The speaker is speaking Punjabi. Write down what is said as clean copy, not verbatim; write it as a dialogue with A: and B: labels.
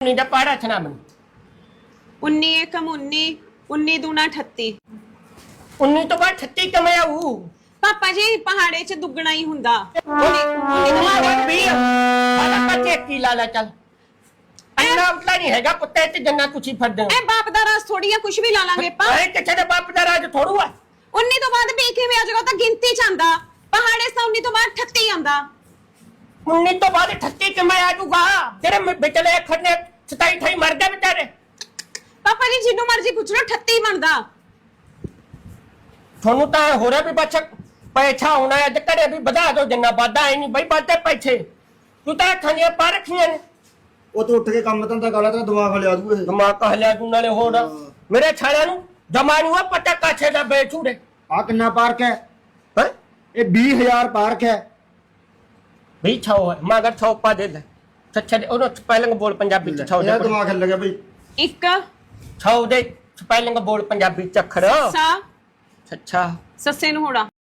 A: 19 ਦਾ ਪਹਾੜਾ ਸੁਣਾ ਮੈਨੂੰ
B: 19 ਏਕਮ 19 19 ਦੂਣਾ 38
A: 19 ਤੋਂ ਬਾਅਦ 38 ਕਿਵੇਂ ਆਊ
B: ਪਾਪਾ ਜੀ ਪਹਾੜੇ 'ਚ ਦੁੱਗਣਾ ਹੀ ਹੁੰਦਾ
A: 19 ਤੋਂ ਬਾਅਦ 20 ਸਾਡਾ ਕੱਚੇ ਕੀ ਲਾ ਲੈ ਚੱਲ ਇੰਨਾ ਉਤਲਾ ਨਹੀਂ ਹੈਗਾ ਕੁੱਤੇ ਤੇ ਜੰਨਾ ਕੁਛੀ ਫੜਦੇ
B: ਐ ਬਾਪ ਦਾ ਰਾਸ ਥੋੜੀ ਆ ਕੁਛ ਵੀ ਲਾ ਲਾਂਗੇ ਪਾ
A: ਓਏ ਕਿੱਥੇ ਦੇ ਬਾਪ ਦਾ ਰਾਜ ਥੋੜੂ ਆ
B: 19 ਤੋਂ ਬਾਅਦ ਵੀ ਕਿਵੇਂ ਆ ਜਾਏਗਾ ਤਾਂ ਗਿਣਤੀ 'ਚ ਆਂਦਾ ਪਹਾੜੇ 19 ਤੋਂ ਬਾਅਦ 38 ਆਂਦਾ
A: 19 ਤੋਂ ਬਾਅਦ 38 ਕਿਵੇਂ ਆ ਜੂਗਾ ਤੇਰੇ ਵਿਚਲੇ ਅੱਖਰ ਨੇ 27 28 ਮਰ ਗਏ ਵਿਚਾਰੇ
B: ਪਾਪਾ ਜੀ ਜਿੰਨੂੰ ਮਰਜ਼ੀ ਪੁੱਛ ਲਓ 38 ਬਣਦਾ
A: ਤੁਹਾਨੂੰ ਤਾਂ ਹੋ ਰਿਹਾ ਵੀ ਬੱਚਾ ਪੈਸਾ ਹੋਣਾ ਹੈ ਤੇ ਘਰੇ ਵੀ ਵਧਾ ਦਿਓ ਜਿੰਨਾ ਵਾਦਾ ਹੈ ਨਹੀਂ ਬਈ ਵਾਦੇ ਪੈਸੇ ਤੂੰ ਤਾਂ ਖਾਣੀਆਂ ਪਾ ਰੱਖੀਆਂ ਨੇ
C: ਉਹ ਤੋਂ ਉੱਠ ਕੇ ਕੰਮ ਧੰਦਾ ਕਰ ਲੈ ਤੇਰਾ ਦਿਮਾਗ ਹਲਿਆ ਦੂ ਇਹ
A: ਦਿਮਾਗ ਹਲਿਆ ਤੂੰ ਨਾਲੇ ਹੋਰ ਮੇਰੇ ਛਾਲਿਆਂ ਨੂੰ ਜਮਾ ਨੂੰ ਆ ਪਤਾ ਕਾਛੇ ਦਾ ਬੇਚੂੜੇ
C: ਆ ਕਿੰਨਾ ਪਾਰਕ ਹੈ
A: ਹੈ
C: ਇਹ 20000 ਪਾਰਕ ਹੈ
A: ਵੀ ਛਾਓ ਹੈ ਮਗਰ ਛਾਓ ਪਾ ਦੇ ਲੈ ਸੱਚਾ ਉਹਨੂੰ ਸਪੈਲਿੰਗ ਬੋਲ ਪੰਜਾਬੀ ਚ ਛਾਓ
C: ਇਹਦਾ
A: ਦੇ
C: ਦਿਮਾਗ ਹਿੱਲ ਗਿਆ ਬਈ
B: ਇੱਕ
A: ਛਾਓ ਦੇ ਸਪੈਲਿੰਗ ਬੋਲ ਪੰਜਾਬੀ ਚ ਅੱਖਰ
B: ਸਾ
A: ਸੱਚਾ
B: ਸੱਸੇ ਨੂੰ ਹੋੜਾ